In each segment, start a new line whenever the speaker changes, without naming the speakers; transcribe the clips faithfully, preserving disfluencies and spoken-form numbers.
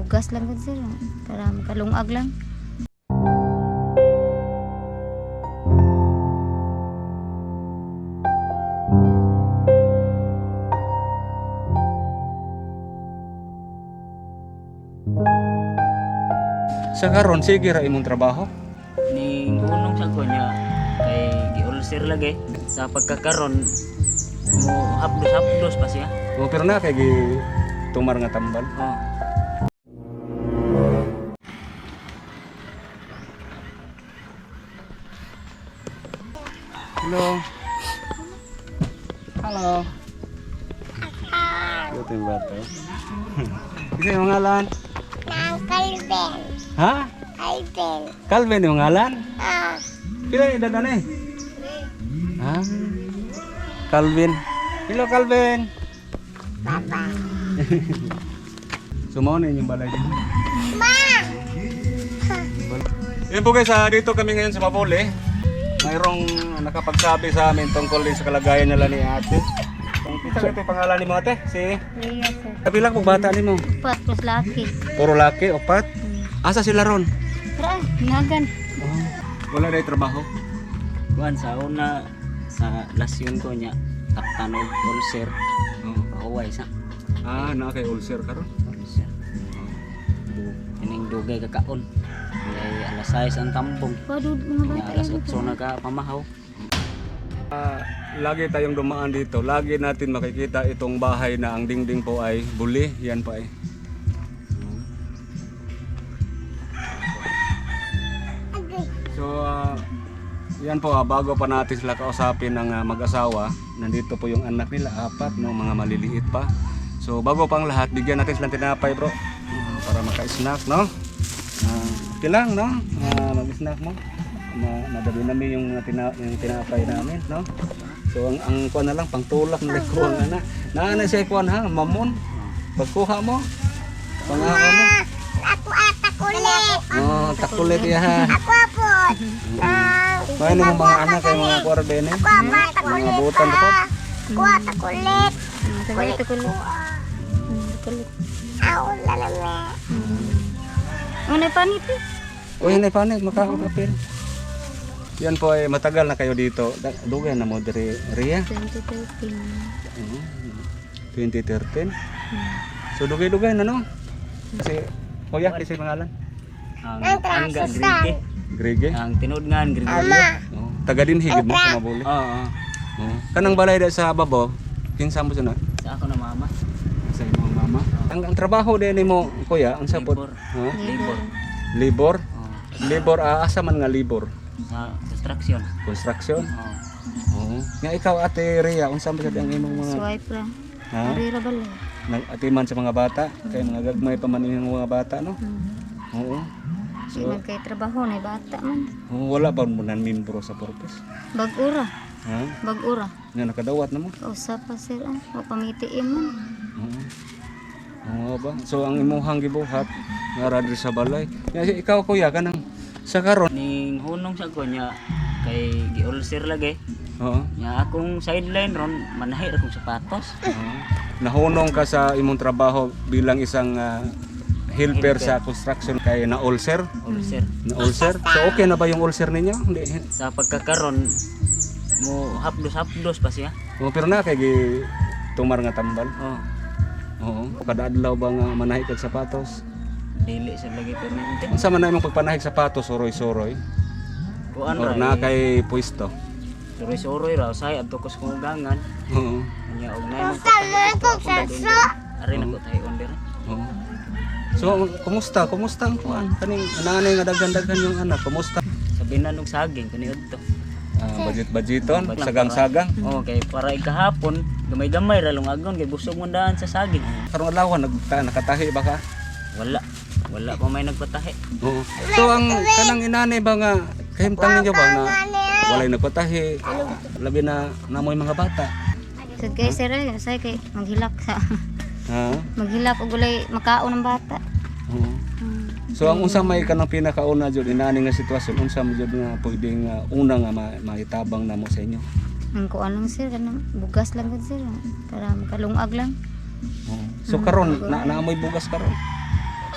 bugas lang gud sir para makalungag lang.
Sa karon sige ra imong trabaho.
Ning unong sa ko niya kay gi-ulcer lagi sa pagkakaron mo hapdos-hapdos pa siya.
O pero na kay gi tumar nga tambal.
Oh.
Hello. Hello. Ito yung bata. Isa yung ngalan?
Nang Calvin.
Ha?
Calvin.
Calvin yung ngalan?
Ah,
Pila yung edad na eh? Ha? Calvin. Hello Calvin.
Papa.
Sumaw na yung balay dito.
Ma!
Yan po guys, ah, dito kami ngayon sa Mapole. Mayroong nakapagsabi sa amin tungkol din sa kalagayan nila ni ate. Kita ito yung pangalan ni mo ate? Si?
Iya sir.
Kabilang po bata ni mo?
Pat plus laki.
Puro laki, opat? Asa sila ron?
Tara, hinagan.
Oh. Wala na yung trabaho?
Kuan sa una sa lasyon ko niya kaptan og ulcer.
Oh.
Pahuway sa
Ah, na kay ulcer ka ron?
ulcer. Ining dugay kakaon. Kay alas sais ang tambong.
Padud mga
Kaya
bata.
alas
yun.
otso na ka pamahaw.
Ah, lagi tayong dumaan dito. Lagi natin makikita itong bahay na ang dingding po ay buli. Yan pa eh. So, ah, yan po, ah, bago pa natin sila kausapin ng ah, mag-asawa, nandito po yung anak nila, apat, no, mga maliliit pa. So, bago pang lahat, bigyan natin silang tinapay, bro. Ah, para maka-snack, no? Uh, okay lang, no? Ah, mag-snack mo. Ma madali namin yung, tina yung tinapay namin, no? So, ang, ang kuha na lang, pangtulak na ko ang anak. Naana siya kuha ha, mamon. Pagkuha mo, pangawa mo.
Ako ata kulit.
Oh, takulit ya.
Ako apod. Ah,
Main mo mga anak kay mga kuarbene.
ako ata
Mga
kulit.
butan ko.
Ako ata kulit.
Hmm, Kulit ko kulit. Hmm, kulit.
Ako lalame.
Ano panit eh?
Uy, hindi panik, makakapil. Yan po ay matagal na kayo dito. Da- Dugay na mo diri Ria.
twenty thirteen.
Oo, twenty thirteen. So dugay-dugay na no. Kasi kuya kasi pangalan
Ang
Ang
angga
trasasan.
grige.
Grege.
Ang tinudngan Gregorio.
Ama.
Oh, taga din higid mo sa Mabuli.
Oo.
Oh. Kanang balay da sa babo. Kinsa mo na
Sa ako na mama.
sa imong mama. Ang, ang trabaho din nimo kuya, ang sapot.
Libor.
Ha?
Libor.
Libor.
Oo.
Libor ah, asa man nga libor?
Sa construction.
Construction.
Oo.
Oo. Nga ikaw ate Rhea, unsa man sad ang imong mga
Swipe ra.
ha?
Arira balay.
Nag-atiman sa mga bata, kay mga gagmay pa man yung mga bata no.
Hmm.
Oo.
Di
So,
man kay trabaho na bata man.
oo, wala pa mo nan membro sa purpose.
Bag-ura.
Ha?
Bag-ura.
Nga nakadawat na mo.
Usa pa sir ah. O pamitiim man.
Oo. Oo ba? So ang imuhang gibuhat nga ra diri sa balay. Nga ikaw kuya kanang sa karon.
Ning hunong sa ko niya kay gi-ulcer lagi.
Oo.
Nya akong sideline ron manahi ra kong sapatos.
Oo. Nahunong ka sa imong trabaho bilang isang ah, helper sa construction kay na ulcer.
Ulcer.
Na ulcer. So okay na ba yung ulcer ninyo? Hindi.
Sa pagkakaron mo hapdos-hapdos pa siya.
Oo, pero na kay gi tumar nga tambal.
Oh.
Oo. Kada adlaw ba nga manahik kag sapatos?
Dili sa lagi permanente.
Unsa man na imong pagpanahik sapatos suroy-suroy?
Kuan
Or
ra.
na kay pwesto?
Suroy-suroy ra say adto ko sa kong gangan.
Oo.
Nya og nay mo
Sama ko sa
Ari na ko tayo under.
Oo. So, kumusta? Kumusta ang kuan? Kaning nanay nga daghan-daghan yung anak, kumusta?
Sabinan og saging kani adto.
Ah, budget-budgeton, sagang-sagang.
Oh, kay para ikahapon gamay-gamay ra lungagon kay busog mo daan sa saging.
Karong adlaw nagka nakatahi ba ka?
Wala. Wala pa may nagpatahi.
Oo. So ang kanang inanay ba nga kahimtang ninyo ba na walay nagpatahi, labi na namoy mga bata.
So kay sir ay say kay maghilak sa
Ha?
maghilak og gulay makaon ng bata.
Oo.
Hmm.
So ang unsa may kanang pinakauna jud inani nga sitwasyon, unsa mo jud nga pwedeng nga una nga ma maitabang namo sa inyo?
Ang kuan lang sir kanang bugas lang gud sir para makalungag lang.
Oo. So karon na naamoy bugas karon.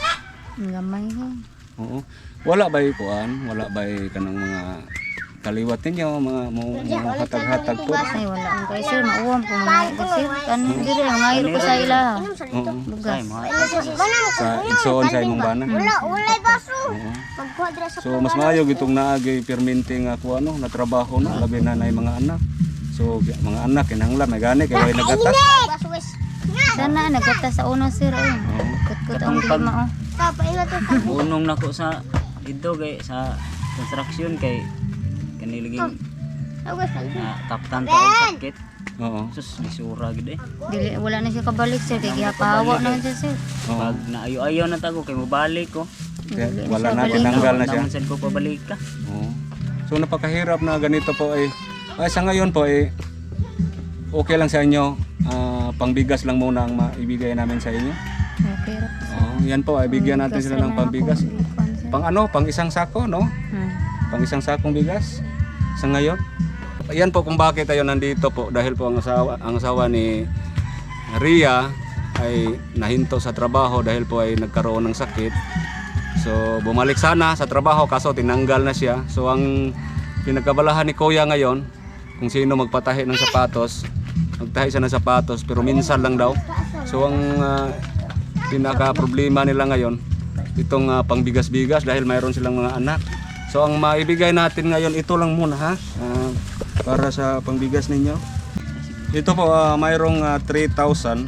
Ang gamay ha.
Oo. Wala ba kuan? Wala ba kanang mga kaliwat ninyo, mga mo mga hatag-hatag po?
Ay wala ang kay sir, mauwam po mga ito sir. Kanon diri ang ngayon ko sa ila.
Oo.
Bugas.
Say mo.
Sa igsoon sa imong bana.
Wala, wala baso.
Oo.
Magkuha dira sa
So mas maayo gitong naagay perminti nga ko ano na trabaho no labi na nay mga anak. So gi- mga anak kinahanglan may gani kay way nagatas.
baso wes.
Sana nagata sa uno sir ay.
Oo.
Kut-kut ang lima oh.
Kapaila to pa.
Unong nako sa dito kay sa construction kay kaniliging
Awas pa.
na taptan ta og sakit.
Oo.
Sus lisura gid eh.
Dili wala na siya kabalik sir kay gihapawa na siya sir.
Oo.
Pag naayo-ayo na tago kay mobalik ko.
Kaya
Dili
wala
siya
na
balik.
tinanggal na siya.
Naman sad ko pabalik ka.
Oo. So napakahirap na ganito po ay ay sa ngayon po ay okay lang sa inyo. Ah, pangbigas lang muna ang maibigay namin sa inyo.
Okay ra.
Oo, yan po ay bigyan natin sila ng pambigas. Pang ano, pang isang sako, no?
Hmm.
Pang isang sakong bigas sa ngayon. Yan po kung bakit tayo nandito po dahil po ang asawa, ang asawa ni Ria ay nahinto sa trabaho dahil po ay nagkaroon ng sakit. So bumalik sana sa trabaho kaso tinanggal na siya. So ang pinagkabalahan ni Kuya ngayon kung sino magpatahi ng sapatos, magtahi siya ng sapatos pero minsan lang daw. So ang ah, pinaka problema nila ngayon itong ah, pangbigas-bigas dahil mayroon silang mga anak. So ang maibigay natin ngayon ito lang muna ha ah, para sa pangbigas ninyo. Ito po ah, mayroong ah, three thousand.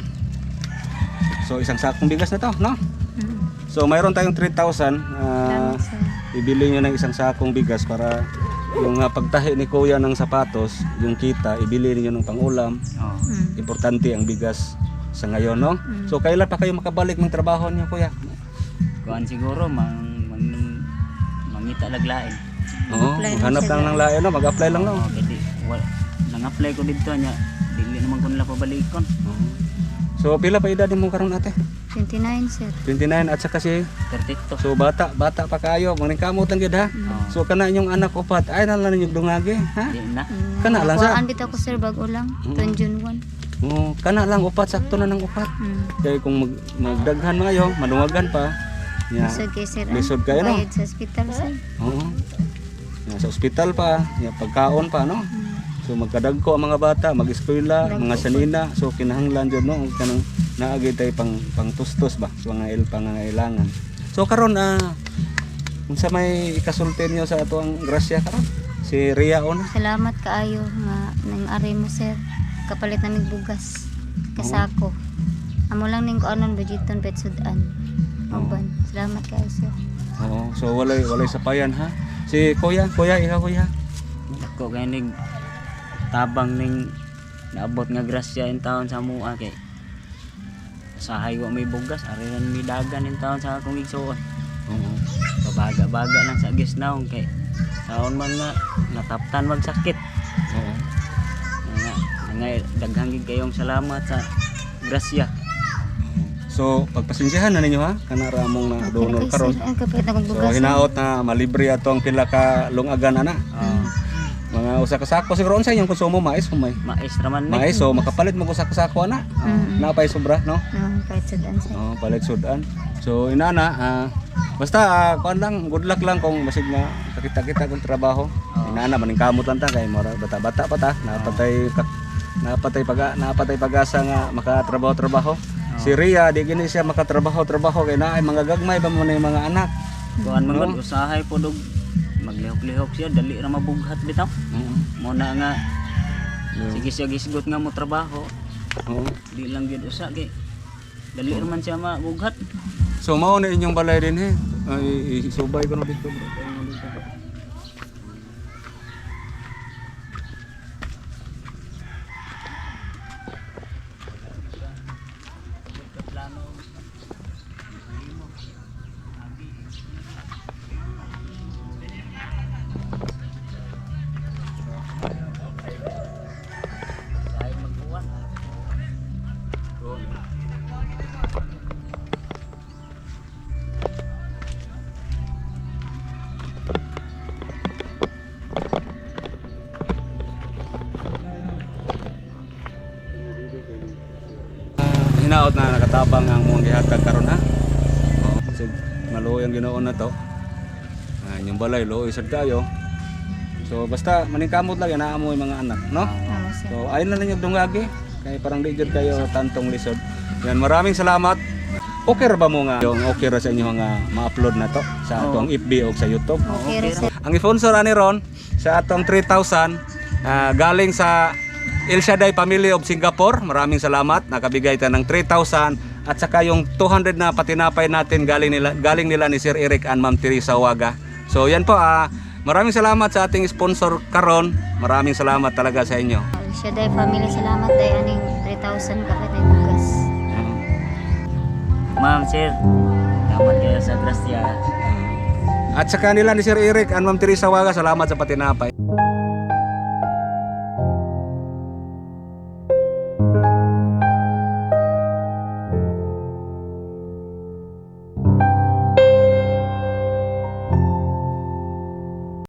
So isang sakong bigas na to, no?
Hmm.
So mayroon tayong three thousand. ah,
Salamat sir.
ibili nyo ng isang sakong bigas para yung ah, pagtahi ni Kuya ng sapatos, yung kita, ibili niyo ng pangulam.
Oh.
Hmm.
Importante ang bigas sa ngayon, no? So kailan pa kayo makabalik ng trabaho niyo, Kuya?
Kuan siguro mang mang mangita laglain.
Oo,
Mag-apply
maghanap
lang
lang
sila.
ng layo, no? Mag-apply lang, no?
Oh, kadi wala nang-apply ko dito nya. Dili naman ko nila pabalikon.
Oo. So pila pa edad mo karon ate?
twenty-nine sir.
twenty-nine at saka si
thirty-two.
so bata, bata pa kayo, maning kamot lang gid ha.
Oh.
So kana inyong anak upat, ay na lang ninyo dungagi, ha?
Di na.
Hmm.
Kana lang, sir.
Kuhaan bitaw ko sir bago lang. Tuon June one.
Oo, kana lang upat, sakto na ng upat.
Hmm.
Kay kung mag, magdaghan maayo, madungagan pa. Ya.
Lisod kay sir. ah.
Lisod kayo, no?
Bayad sa hospital sir.
Oo. Ya, sa ospital pa, ya, pagkaon pa, no?
Hmm.
So magkadagko ang mga bata, mag-eskwela,
Dagko
mga
po.
sanina. So kinahanglan jud no kanang naagi tay pang pangtustos ba sa mga il pangangailangan. So karon ah unsa may ikasulti niyo sa ato ang grasya karon? Si Ria ona.
Salamat kaayo nga nang ari mo sir. Kapalit namig bugas. Kasako. Amo lang ning kuanon budgeton pet sudan. Uban. Salamat kaayo sir.
Oo. So walay walay sapayan ha. Si Kuya, Kuya, ikaw Kuya.
Ako kay ning tabang ning naabot nga grasya in taon sa mua kay sahay wa may bugas ari ran mi dagan in taon sa akong igsuon.
Oo.
Babaga-baga lang sa gisnaw kay taon man nga nataptan magsakit.
Oo.
Nga nga daghang gid kayong salamat sa grasya.
So pagpasensyahan na ninyo ha kana ra among na donor karon.
Ang kapalit akong
So
bugas.
hinaot na malibre ato ang pila ka lungagan ana.
Oh,
Mga usa ka sako siguro unsa inyong konsumo mais humay.
mais raman mi.
Mais so makapalit mo ko sa kasako ana.
Mm.
Napay sobra no.
No, kahit sudan sir.
Oh, palit sudan. So inana ah basta ah, kuan lang good luck lang kung basig na kakita-kita kong trabaho.
Oh.
Inana maning kamot lang ta kay mura bata-bata pa ta. Napatay ka, napatay pag napatay pag-asa nga makatrabaho-trabaho. Si Ria di gini siya makatrabaho-trabaho kay naay mga gagmay ba mo na yung mga anak.
Kuan man
No?
gud usahay po dog maglihok-lihok siya dali ra mabughat bitaw.
Oo.
Mo na nga
Yeah.
sige siya gisgot nga mo trabaho.
Oo.
Di lang gid usa kay dali ra man siya mabughat.
So mao na inyong balay din he. Ay isubay ko na dito bro.
Ay magbuwan.
Hinaot na nakatabang ang mong gihatag karon ha. Oh, so, maluoy ang Ginoo na to. Ah, yung balay luoy sad kayo. So basta maningkamot lang yan mo yung mga anak, no?
Amo sir.
So ayun na lang yung dungagi. Kaya parang di jud kayo tantong lisod. Yan, maraming salamat. Okay ra ba mo nga yung okay ra sa inyo nga ma-upload na to sa atong F B o sa YouTube?
Okay ra sir.
Ang sponsor ani ron sa atong three thousand ah, galing sa El Shaddai Family of Singapore. Maraming salamat. Nakabigay ta ng three thousand at saka yung two hundred na patinapay natin galing nila galing nila ni Sir Eric and Ma'am Teresa Waga. So yan po ah, maraming salamat sa ating sponsor karon. Maraming salamat talaga sa inyo.
Siya day family salamat day aning three thousand kapit ay bugas.
Ma'am, sir. Salamat kayo sa grasya.
At sa kanila ni Sir Eric and Ma'am Teresa Waga, salamat sa patinapay.